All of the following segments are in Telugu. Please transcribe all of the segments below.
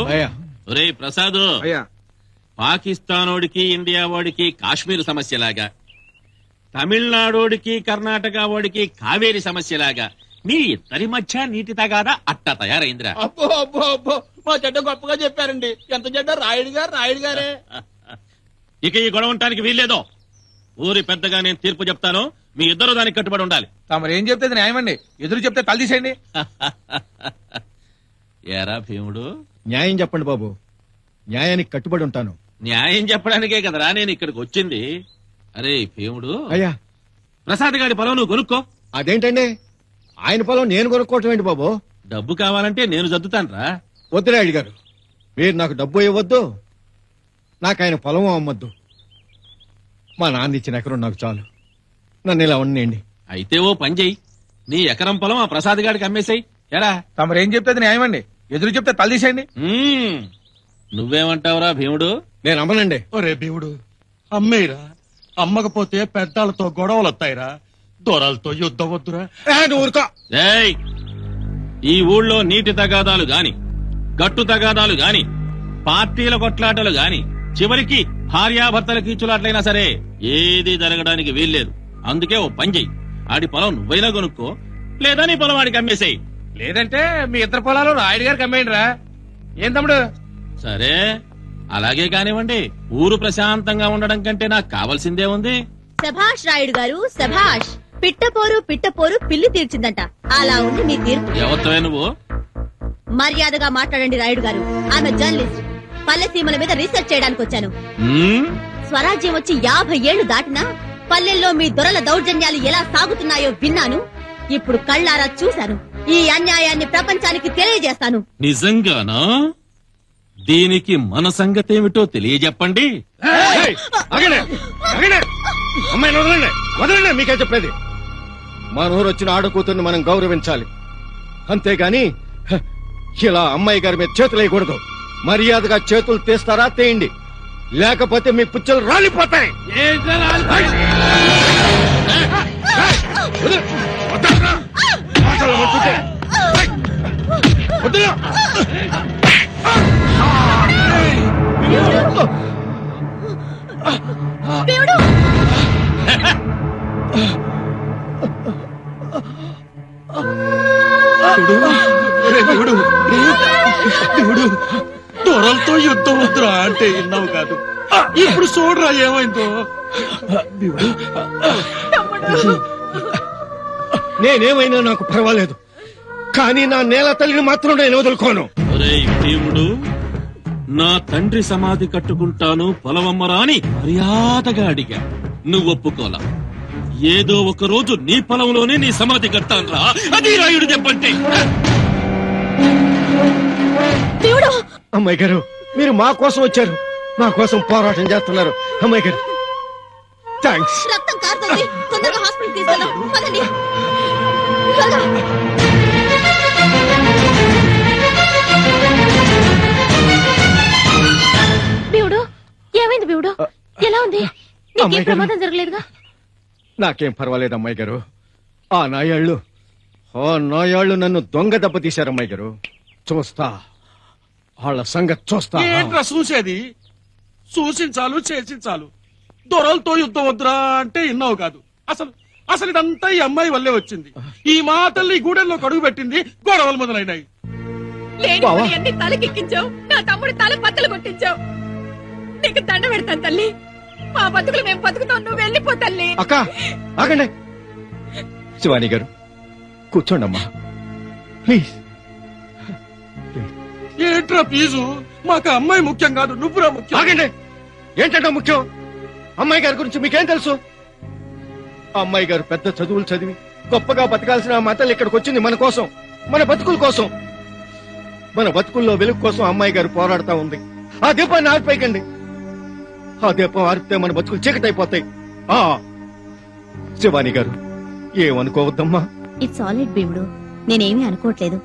ఒరే ప్రసాద్, పాకిస్తానోడికి ఇండియా వాడికి కాశ్మీర్ సమస్యలాగా, తమిళనాడోడికి కర్ణాటక వాడికి కావేరి సమస్యలాగా మీ ఇద్దరి మధ్య నీటి తగాదా అట్ట తయారైందిరా. అబ్బో అబ్బో అబ్బో, మా చెడ్డ గొప్పగా చెప్పారండి. ఎంత చెడ్డ రాయుడు గారే. ఇక ఈ గొడవ ఉండటానికి వీల్లేదో. ఊరి పెద్దగా నేను తీర్పు చెప్తాను, మీ ఇద్దరు దానికి కట్టుబడి ఉండాలి. తమరు ఏం చెప్తే న్యాయమండి, ఎదురు చెప్తే తల తీసేయండి. ఏరా భీముడు, న్యాయం చెప్పండి బాబు, న్యాయానికి కట్టుబడి ఉంటాను. న్యాయం చెప్పడానికే కదరా నేను ఇక్కడికి వచ్చింది. అరే భీముడు, అయ్యా ప్రసాద్ గారి పొలం నువ్వు కొనుక్కో. అదేంటండి, ఆయన పొలం నేను కొనుక్కోవటం ఏంటి బాబు? డబ్బు కావాలంటే నేను జద్దుతానురా. వద్దురాయుడు గారు, మీరు నాకు డబ్బు ఇవ్వద్దు, నాకు ఆయన పొలం అమ్మొద్దు. మా నాన్న ఇచ్చిన ఎకరం నాకు చాలు, నన్ను ఇలా ఉండేయండి. అయితే ఓ పని చెయ్యి, నీ ఎకరం పొలం ఆ ప్రసాద్ గారికి అమ్మేసాయి. ఎరా, తమరు ఏం చెప్తే న్యాయమండి, ఎదురు చెప్తే తల తీసేయండి. నువ్వేమంటావురా భీముడు? నేను అమ్మనండి. ఒరే భీముడు, అమ్మేరా, అమ్మకపోతే పెద్దాలతో గొడవలు వస్తాయిరా, దొరలతో యుద్ధం వద్దురా. ఊరుకో. ఏయ్, ఈ ఊళ్ళో నీటి తగాదాలు గాని, గట్టు తగాదాలు గాని, పార్టీల కొట్లాటలు గాని, చివరికి భార్యాభర్తల కీచులాట్లయినా సరే ఏది జరగడానికి వీల్లేదు. అందుకే ఓ పని చెయ్యి, ఆడి పొలం నువ్వైనా కొనుక్కో, లేదా నీ పొలం వాడికి అమ్మేసేయి. లేదంటే మీ ఇద్దరు పొలాలు రాయుడు గారికి అమ్మేయండి రా. ఏం తమ్ముడు? సరే అలాగే కానివ్వండి. ఊరు ప్రశాంతంగా ఉండడం కంటే నాకు కావాల్సిందే ఉంది. సభాష్ రాయుడు గారు, సభాష్. పిట్టపోరు పిల్లి తీర్చిందంట. అలా ఉంది మీ తీర్పు. ఎవరితోవే నువ్వు? మర్యాదగా మాట్లాడండి రాయుడు గారు. ఆమె జర్నలిస్ట్. పల్లె సీమల మీద రీసెర్చ్ చేయడానికి వచ్చాను. స్వరాజ్యం వచ్చి 50 ఏళ్లు దాటినా పల్లెల్లో మీ దొరల దౌర్జన్యాలు ఎలా సాగుతున్నాయో విన్నాను. ఇప్పుడు కళ్ళారా చూశాను. ఈ అన్యాయాన్ని ప్రపంచానికి తెలియజేస్తాను. నిజంగానా? దీనికి మన సంగతేమిటో తెలియజెప్పండి. అమ్మాయిని వదలండి, వదలండి. మీకే చెప్పేది, మన ఊరు వచ్చిన ఆడకూతుర్ని మనం గౌరవించాలి, అంతేగాని ఇలా అమ్మాయి గారి మీద చేతులు వేయకూడదు. మర్యాదగా చేతులు తీస్తారా తీయండి, లేకపోతే మీ పుచ్చలు రాలిపోతాయి. దొరలతో యుద్ధం వద్దురా అంటే విన్నావు కాదు, ఇప్పుడు చూడరా ఏమైందో. నేనేమైనా నాకు పర్వాలేదు, కానీ నా నేల తల్లిని మాత్రం నేను వదులుకోను. ఒరేయ్ భీముడు, నా తండ్రి సమాధి కట్టుకుంటాను పొలవమ్మరా అని మర్యాదగా అడిగా, నువ్వు ఒప్పుకోలా. ఏదో ఒక రోజు నీ పొలంలోనే నీ సమాధి కట్టానురా. అది రాయుడు చెప్పండి. అమ్మాయి గారు, మీరు మా కోసం వచ్చారు, మా కోసం పోరాటం చేస్తున్నారు. అమ్మాయి గారు థ్యాంక్స్. రక్తం కారుతోంది, తొందరగా హాస్పిటల్ తీసుకెళ్దాం. పదండి. బీవుడు, ఏమైంది బీవుడు? ఎలా ఉంది? నీకేం ప్రమాదం జరగలేదుగా? నాకేం పర్వాలేదు అమ్మాయి గారు. ఆ నాయాళ్ళు నన్ను దొంగ దెబ్బ తీశారు అమ్మాయి గారు. చూస్తా, వాళ్ళ సంగతి చూస్తా. ఏంట్రా చూసేది? చూసించాలు చేసించాలు. దొరలతో యుద్ధం వద్దురా అంటే విన్నావు కాదు. అసలు ఇదంతా ఈ అమ్మాయి వల్లే వచ్చింది. ఈ మాటల్ని ఈ గూడెల్లో కడుగు పెట్టింది, గొడవలు మొదలైనాయి. అన్ని తలకెక్కించావు, నా తమ్ముడి తల పత్తలు కొట్టించావు. నీకు దండ పెడతాను తల్లి. మా బతుకులు మేము బతుకుతాం, నువ్వు వెళ్ళిపో తల్లి. అక్క ఆగండి. శివాని గారు కూర్చోండి అమ్మా, ప్లీజ్. ఏంట్రా ఫీజు? మాకు అమ్మాయి ముఖ్యం కాదు, నువ్వురా ముఖ్యం. ఆగండి. ఏంటంటే ముఖ్యం? అమ్మాయి గారి గురించి మీకేం తెలుసు? అమ్మాయి గారు పెద్ద చదువులు చదివి గొప్పగా బతకాల్సిన మా తల్లి ఇక్కడికి వచ్చింది మన కోసం, మన బతుకుల కోసం. మన బతుకుల్లో వెలుగు కోసం అమ్మాయి గారు పోరాడుతా ఉంది. ఆ దీపాన్ని ఆర్పేయకండి. ఆ దీపం ఆరిపితే మన బతుకులు చీకటైపోతాయి. శివాని గారు ఏమనుకోవద్దమ్మా. ఇట్స్ ఆల్ రైట్ భీముడు, నేనేమీ అనుకోవట్లేదు.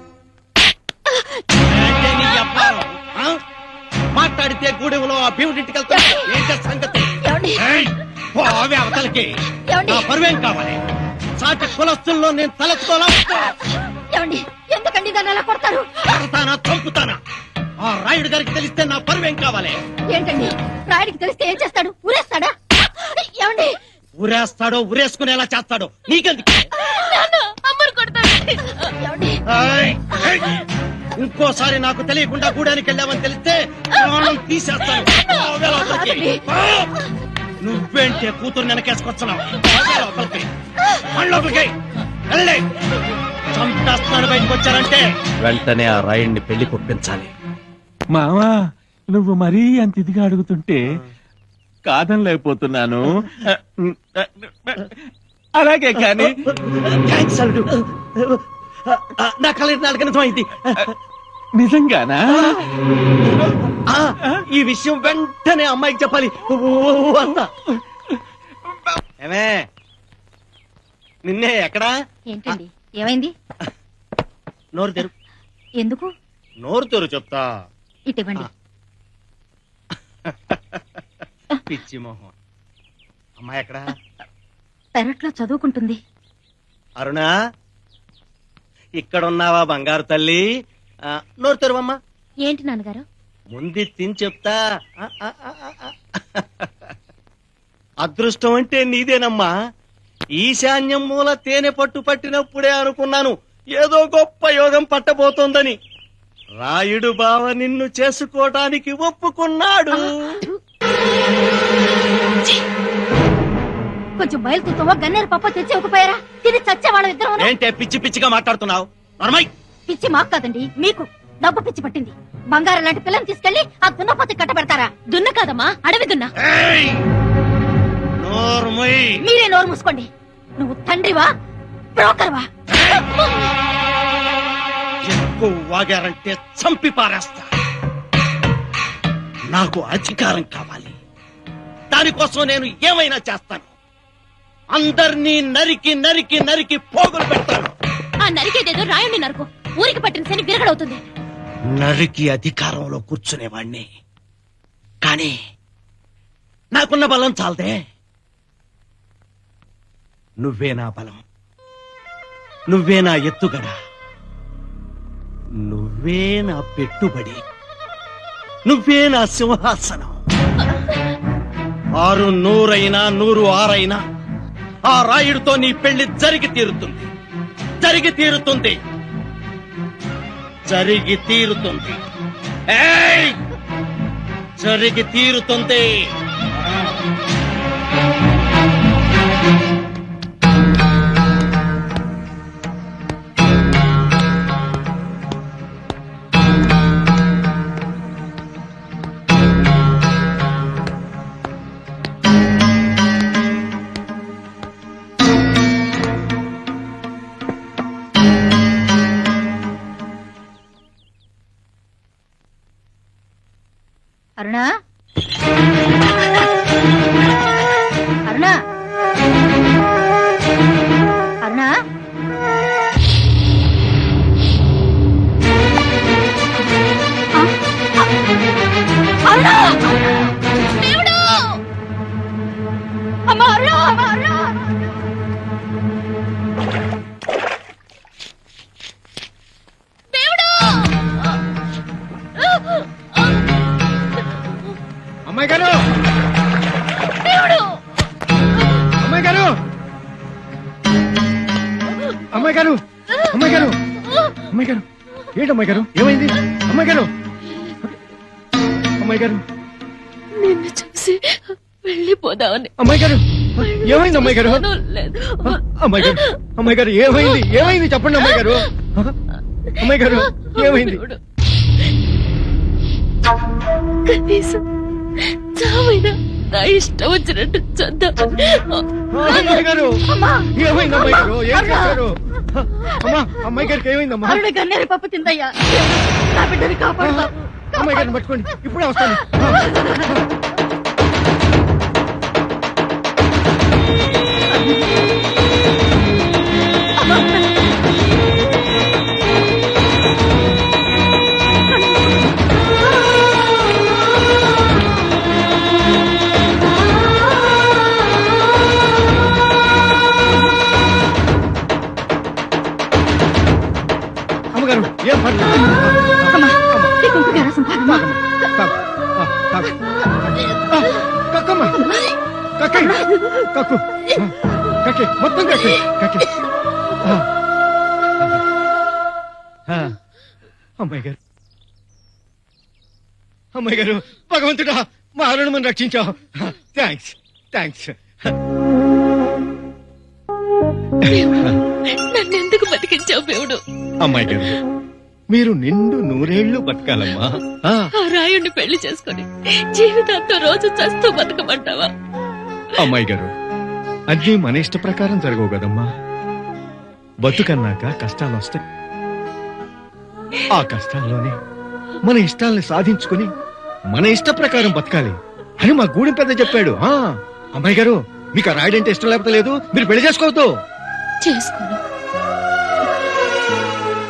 మాట్లాడితే గూడెంలో ఆ భీముడింటికి వెళ్తా సంగతి. అవతలకి నా పరువేం కావాలి? సాటి కులస్తుల్లో నేను తలెత్తుకోలా. ఎందుకండి దాన్ని అలా కొడతారు? కొడతానా, చంపుతానా? ఆ రాయుడు గారికి తెలిస్తే నా పరువేం కావాలి? ఏంటండి రాయుడికి తెలిస్తే ఏం చేస్తాడు? ఊరేస్తాడా? ఏమండి ఊరేస్తాడో ఊరేసుకునేలా చేస్తాడో నీకెందుకు? అమ్మరు కొడతాడు. ఏమండి ఏయ్! ఏయ్! ఇంకోసారి నాకు తెలియకుండా గూడానికి వెళ్ళామని తెలిస్తే ప్రాణం తీసేస్తాను. పోవే లోపలికి. పో! నువ్వేంటే కూతురు వెనకేసుకొస్తున్నావు? పోవే లోపలికి. మన లోపలికి వెళ్ళే. చంపేస్తాను బయటకు వచ్చారంటే వెంటనే ఆ రాయుడిని పెళ్లి కొప్పించాలి. మావా నువ్వు మరీ అంత ఇదిగా అడుగుతుంటే కాదనలేకపోతున్నాను. అలాగే కానీ థాంక్స్ అల్లుడు. నా కళ నాలుగు నిజమైంది. నిజంగానా? ఈ విషయం వెంటనే అమ్మాయికి చెప్పాలి. వస్తా. ఏమే నిన్నే ఎక్కడా? ఏంటండి ఏమైంది? నోరు తెరు. ఎందుకు? నోరు తెరు చెప్తా. ఇటివ్వండి. పిచ్చి మొహం. అమ్మాయి ఎక్కడా? పెరట్లో చదువుకుంటుంది. అరుణా ఇక్కడున్నావా బంగారు తల్లి? నోరు తెరువమ్మా. ఏంటి నాన్నగారు? ముందు తిని చెప్తా. అదృష్టం అంటే నీదేనమ్మా. ఈశాన్యం మూల తేనె పట్టు పట్టినప్పుడే అనుకున్నాను ఏదో గొప్ప యోగం పట్టబోతోందని. రాయుడు బావ నిన్ను చేసుకోవటానికి ఒప్పుకున్నాడు. కొంచెం బయలుతుతావా? గన్నేరు పప్ప తెచ్చి ఒకపోయారా? తిని చచ్చేవాళ్ళం ఇద్దరు. ఏంటే పిచ్చి పిచ్చిగా మాట్లాడుతున్నావు? నర్మయ్ పిచ్చి మాకు కాదండి మీకు. డబ్బు పిచ్చి పట్టింది. బంగారం లాంటి పిల్లని తీసుకెళ్లి ఆ దున్నపోతే కట్టబెడతారా? దున్న కాదమ్మా, అడవి దున్న. మీరే నోరు మూసుకోండి. నువ్వు తండ్రివా బ్రోకర్వా? ఎక్కువ వాగారంటే చంపి పారేస్తా. నాకు అధికారం కావాలి. దానికోసం నేను ఏమైనా చేస్తాను. అందర్నీ నరికి నరికి నరికి పోగులు పెడతాను. ఆ నరికేదేదో రాయుడిని నరకు. ఊరికి పట్టిన శని విరగడవుతుంది. నరికి అధికారంలో కూర్చునేవాణ్ణి. కానీ నాకున్న బలం చాలదే. నువ్వే నా బలం. నువ్వే నా ఎత్తుగడ. నువ్వే నా పెట్టుబడి. నువ్వే నా సింహాసనం. 6 100 100 6 ఆ రాయుడితో నీ పెళ్లి జరిగి తీరుతుంది. జరిగి తీరుతుంది. జరిగి తీరుతుంది. ఏయ్! జరిగి తీరుతుంది. అరుణా, అరుణా, అరుణా. అరుణా! దేవుడు! అమ్మా అరుణా! అమ్మా అరుణా! దేవుడు! అమ్మాయి గారు! దేవుడు! అమ్మాయి గారు! అమ్మాయి గారు! అమ్మాయి గారు! అమ్మాయి గారు! ఏంటి అమ్మాయి గారు? ఏమైంది? అమ్మాయి గారు! అమ్మాయి గారు! నిన్ను చూసి వెళ్ళిపోదామని అమ్మాయి గారు! ఏమైంది అమ్మాయి గారు? లేదు. అమ్మాయి గారు! అమ్మాయి గారు ఏమైంది? ఏమైంది చెప్పండి అమ్మాయి గారు. అమ్మాయి గారు ఏమైంది? కనీసం చావైనా నా ఇష్టం వచ్చినట్టు చద్దాం. అమ్మాయి గారు ఏమైంది? అమ్మాయి గారు ఏం చేశారు? అమ్మా అమ్మాయి గారికి ఏమైందమ్మా? అరుణ గన్నేరు పప్పు తిందయ్యా. నా బిడ్డని కాపాడుతా. అమ్మాయి గారిని పట్టుకోండి. ఇప్పుడే వస్తాను. అమ్మగారు ఏం పర్లేదు. అమ్మా తాగమ్మా. తాగు. తాగు. కక్కమ్మా. కక్కయ్. కక్కు. కక్కే. మొత్తం కక్కే. కక్కే. అమ్మాయి గారు, అమ్మాయి గారు, భగవంతుడా మా అరుణమని రక్షించావు. థ్యాంక్స్. థ్యాంక్స్. నన్నెందుకు బతికించావు దేవుడు? అమ్మాయి గారు, మీరు నిండు నూరేళ్లు బతకాలమ్మా. ఆ రాయుడిని పెళ్లి చేసుకుని జీవితాంతో రోజు చస్తూ బతకమంటావా? అమ్మాయి గారు, అన్నీ మన ఇష్ట ప్రకారం జరగవు కదమ్మా. బతుకన్నాక కష్టాలు వస్తాయి. ఆ కష్టాల్లోనే మన ఇష్టాల్ని సాధించుకుని మన ఇష్ట ప్రకారం బతకాలి అని మా గూడెం పెద్ద చెప్పాడు. అమ్మాయి గారు, మీకు ఆ రాయుడంటే ఇష్టం లేకపోతే లేదు, మీరు పెళ్లి చేసుకోవద్దు. చేసుకోను.